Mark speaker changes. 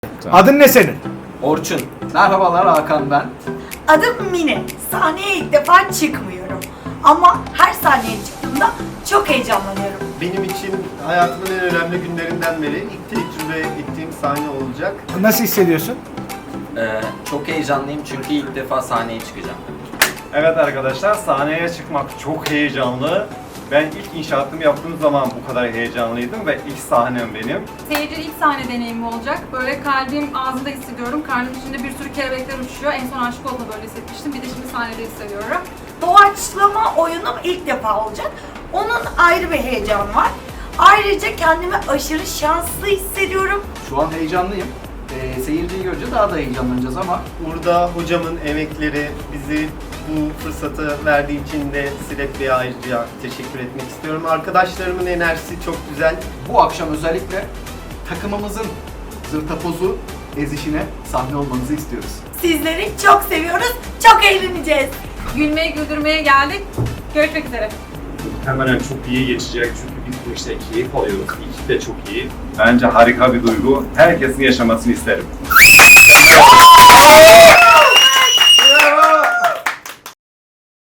Speaker 1: Adın ne senin?
Speaker 2: Orçun. Merhabalar, Hakan ben.
Speaker 3: Adım Mine. Sahneye ilk defa çıkmıyorum. Ama her sahneye çıktığımda çok heyecanlanıyorum.
Speaker 4: Benim için hayatımın en önemli günlerinden biri ilk tecrübe ettiğim sahne olacak.
Speaker 1: Nasıl hissediyorsun?
Speaker 2: Çok heyecanlıyım çünkü ilk defa sahneye çıkacağım.
Speaker 5: Evet arkadaşlar, sahneye çıkmak çok heyecanlı. Ben ilk inşaatımı yaptığım zaman bu kadar heyecanlıydım ve ilk sahnem benim.
Speaker 6: Seyirci ilk sahne deneyimi olacak. Böyle kalbim ağzında hissediyorum. Karnım içinde bir sürü kelebekler uçuşuyor. En son aşık olduğumda böyle hissetmiştim. Bir de şimdi sahnede hissediyorum.
Speaker 3: Doğaçlama oyunum ilk defa olacak. Onun ayrı bir heyecanı var. Ayrıca kendimi aşırı şanslı hissediyorum.
Speaker 2: Şu an heyecanlıyım. Seyirciyi görünce daha da heyecanlanacağız ama
Speaker 4: Burada hocamın emekleri bizi bu fırsatı verdiği için de Silek Bey'e ayrıca teşekkür etmek istiyorum. Arkadaşlarımın enerjisi çok güzel.
Speaker 2: bu akşam özellikle takımımızın zırtapozu ezişine sahne olmanızı istiyoruz.
Speaker 3: Sizleri çok seviyoruz. Çok eğleneceğiz.
Speaker 6: Gülmeye güldürmeye geldik. Görüşmek üzere.
Speaker 5: Hemen çok iyi geçecek çünkü biz bu işte keyif alıyoruz. İkisi de çok iyi. Bence harika bir duygu. Herkesin yaşamasını isterim.